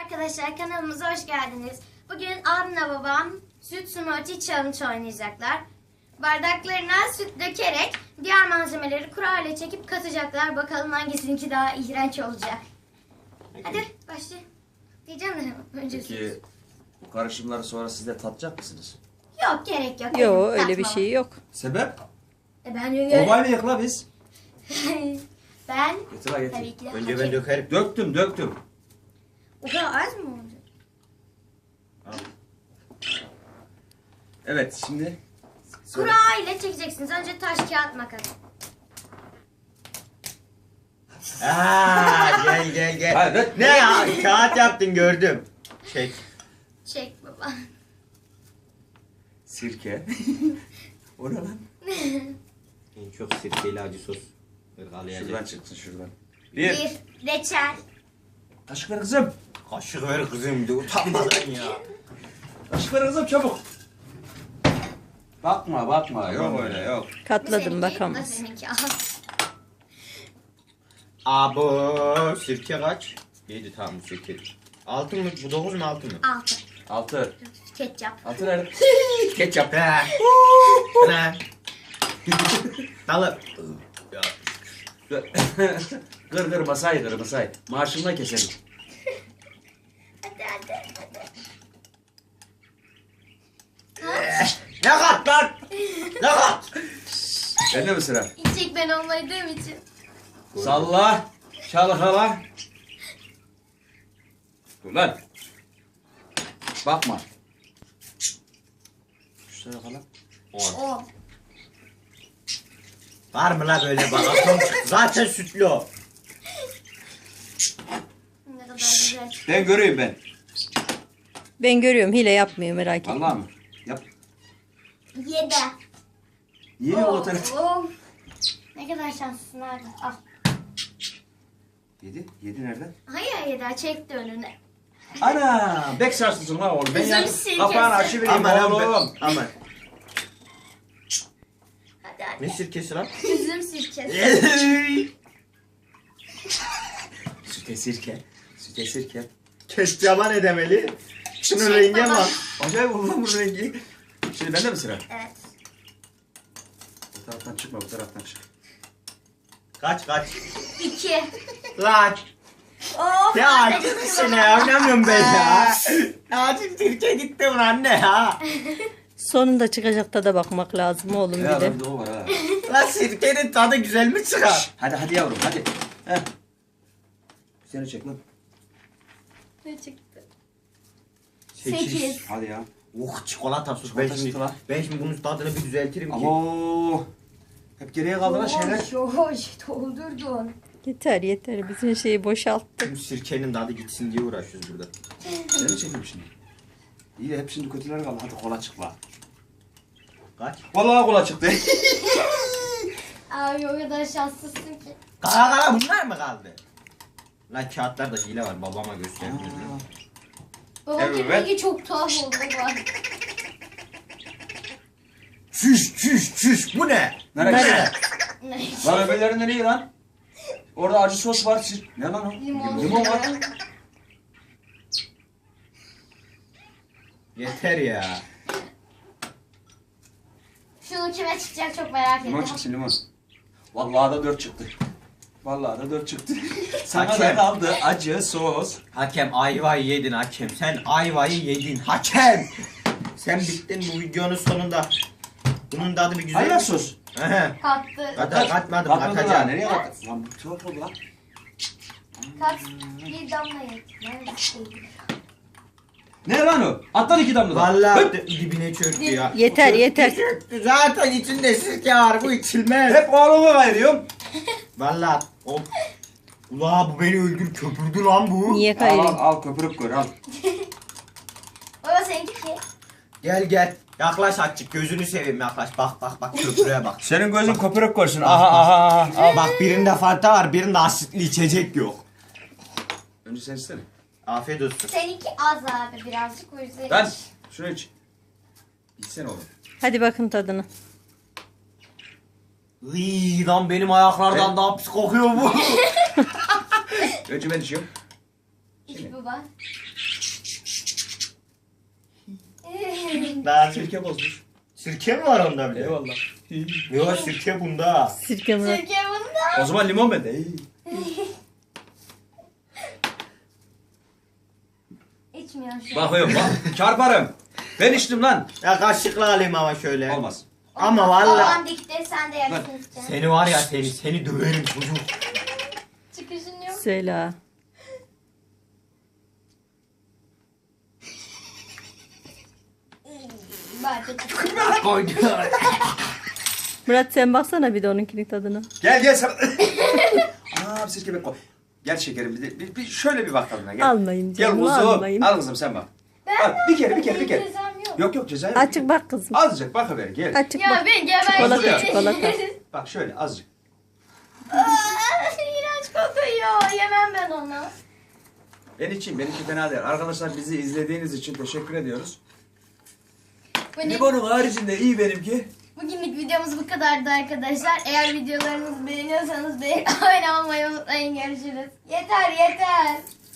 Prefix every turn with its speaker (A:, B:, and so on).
A: Arkadaşlar kanalımıza hoş geldiniz. Bugün abimle babam süt smoothie challenge oynayacaklar. Bardaklarına süt dökerek diğer malzemeleri kura ile çekip katacaklar. Bakalım hangisininki daha iğrenç olacak. Hadi başla. Diyeceğim de önce
B: Peki bu karışımları sonra siz de tatacak mısınız?
A: Yok gerek yok.
C: Yok
A: Hadi,
C: öyle bir
A: tatma.
C: şey yok.
B: Sebep?
A: Ben
B: Obayla yıkla biz.
A: ben
B: Getir ha
A: tabii
B: getir.
A: ki de
D: Önce ben dökerim.
B: Döktüm.
A: O kadar az mı oldu?
B: Evet şimdi.
A: Kura ile çekeceksiniz. Önce taş kağıt makas.
D: Gel.
B: Hadi.
D: Ne ya? Kağıt yaptın gördüm. Çek.
A: Çek baba.
B: Sirke. O ne lan?
D: En çok sirkeli acı sos.
B: Şuradan
D: Irgalayacak.
B: çıksın şuradan.
A: Bir
B: Bir.
A: reçel.
B: Kaşık ver kızım.
D: Kaşık ver kızım de utanmadan ya.
B: Kaşık ver kızım çabuk. Bakma. Yok öyle yok.
C: Katladım
A: Seninki,
C: bakamaz.
A: nasıl seninki? Al.
D: Abo sirke kaç? 7 tamam bu sirke. 6 mı? Bu 9 mu 6 mı?
A: 6.
B: 6.
A: Ketçap.
B: 6 nerede? Ketçap.
D: He. Ne? Dalı. Ya.
B: Kır masayı. Maaşımla keselim.
A: Hadi.
D: Ne kat lan? Ne kat?
B: Bende mi sıra?
A: İçecek ben olmadığım için.
B: Salla. Çalkala. Dur lan. Bakma. Şuraya kala.
A: 10.
D: Var mı la böyle bak? Atom çıktı. Zaten sütlü o.
A: Ne kadar güzel.
B: Ben göreyim ben.
C: Ben görüyorum hile yapmıyor merak etme.
B: Allah mı? Yap.
A: 7.
B: Niye o tarafı?
A: Ne kadar şanslısın abi. Al.
B: 7. 7 nerede?
A: Hayır 7 çekti önüne.
B: Ana! Bek sarsılsın lan oğlum. Ben
A: Üzüm
B: yani
A: sirkesi.
B: kapağını açıvereyim oğlum.
D: Aman.
A: Hadi.
D: Ne sirkesi lan?
A: Üzüm sirkesi.
B: Süte sirke.
D: Ketçaba ne demeli? Şunun
A: Çek
D: rengi
A: baba.
D: bak.
B: Acayip oldu lan bu rengi. Şimdi bende mi sıra?
A: Evet.
B: Bu taraftan çıkma, bu taraftan çık.
D: Kaç.
A: 2.
D: Lan.
A: Of.
D: Ya
A: hadi.
D: acıdı seni ya. Oynamıyorum ben ya. Acil Türkiye gitti ulan anne ya.
C: Sonunda çıkacak tada bakmak lazım oğlum
B: Ya
C: bir de.
B: bir de o var ha.
D: Lan sirkenin tadı güzel mi çıkar?
B: Hadi yavrum hadi. Heh. Seni çek lan.
A: Ne çıktı?
D: 8.
A: 8.
B: Hadi ya.
D: Oh çikolata sos.
B: Çikolata sütü lan.
D: Ben şimdi bunun tadını bir düzeltirim ki.
B: Abo. Hep geriye kaldı lan şeyler.
A: Hoş doldurdun.
C: Yeter bizim şeyi boşalttık.
D: Bu sirkenin tadı gitsin diye uğraşıyoruz burada.
B: Seni çekeyim şimdi. İyi de hep şimdi kötüler kaldı. Hadi kola çık lan.
D: Kaç?
B: Vallahi kola çıktı.
A: Abi o kadar şanslısın ki.
D: Kara bunlar mı kaldı? Lan kağıtlarda hile var babama gösterdim.
A: Babamın
B: Evet.
A: rengi çok tuhaf oldu baba.
D: Çüş bu ne?
B: Nereye?
A: Ne?
B: Lan öbürleri nereye lan? Orada acı sos var. Ne lan o?
A: Limon.
B: Limon var.
D: Yeter ya.
A: Şunu kime çıkacak çok merak
B: Limon
A: ettim.
B: çıksın limon. Vallahi da 4 çıktı. Vallahi da 4 çıktı. Sana da
D: Hakem.
B: kaldı acı sos.
D: Hakem ayvayı yedin hakem. Sen ayvayı yedin hakem. Sen bittin bu videonun sonunda. Bunun tadı bir güzel.
B: Ayran sos.
D: Ehe.
A: Kattı.
D: Katmadım
B: Katmadı lan.
D: katacağım.
B: Nereye kattın? Lan bu çok oldu lan.
A: Kat bir damla yedi. Nerede?
B: Ne lan o? Atlan 2 damla.
D: Vallahi dibine çöktü ya.
C: Yeter.
D: Çöktü. Zaten içinde sirke var bu içilmez.
B: Hep oğlumu kayırıyorum.
D: Vallahi o. Ula bu beni öldür köpürdü lan bu.
C: Niye
B: Al
C: kayırayım?
B: al köpürüp koy al.
A: Baba seninki ki.
D: Gel. Yaklaş açık gözünü seveyim yaklaş. Bak köpürüğe bak.
B: Senin gözün köpürüp koysun.
D: Bak,
B: Aha.
D: Bak birinde Fanta var birinde asitli içecek yok.
B: Önce sen istene.
D: Afiyet olsun.
A: Seninki az abi birazcık o yüzden.
B: Ben şunu iç. İçsene oğlum.
C: Hadi bakın tadına.
D: Iiii lan benim ayaklardan daha pis kokuyor bu.
B: Önce ben içiyorum.
A: İki baba.
D: Daha
B: Sirke bozmuş.
D: Sirke mi var onda bile?
B: Eyvallah.
D: Yok sirke bunda.
C: Sirke Murat.
A: Sirke bunda.
B: O zaman limon bende.
A: İçmiyorum şu an.
B: Bakıyorum bak. Çarparım. Ben içtim lan.
D: Ya kaşıkla alayım ama şöyle.
B: Olmaz.
D: Ama valla.
A: Babam dikti sen de yarısını içeceksin.
D: Seni var ya seni döverim çocuk.
A: Çıkışın yok.
C: Söyle.
A: Bak çıkışın.
C: Murat sen baksana bir de onunkinin tadına.
B: Gel sen. Aa sirke ben koy. Gel şekerim bir şöyle bir bakalım. Gel.
C: Almayın
B: Gel
C: canım,
B: kuzum.
C: almayın.
B: Al kızım sen bak.
A: Ben
B: Al, bir kere.
A: Cezam yok.
B: Yok ceza yok.
C: Açık bak kızım.
B: Azıcık bakıver gel.
C: Açık
A: Ya
C: bak.
A: ben
C: Çikolata,
A: geberdim.
C: çikolata.
B: Bak şöyle azıcık.
A: İğrenç kokuyor. Yemem ben onu.
B: Ben içeyim. Benimki fena değil. Arkadaşlar bizi izlediğiniz için teşekkür ediyoruz. Limonun haricinde iyi benimki.
A: Bugünlük videomuz bu kadardı arkadaşlar. Eğer videolarımızı beğeniyorsanız beğen abone olmayı unutmayın. Görüşürüz. Yeter.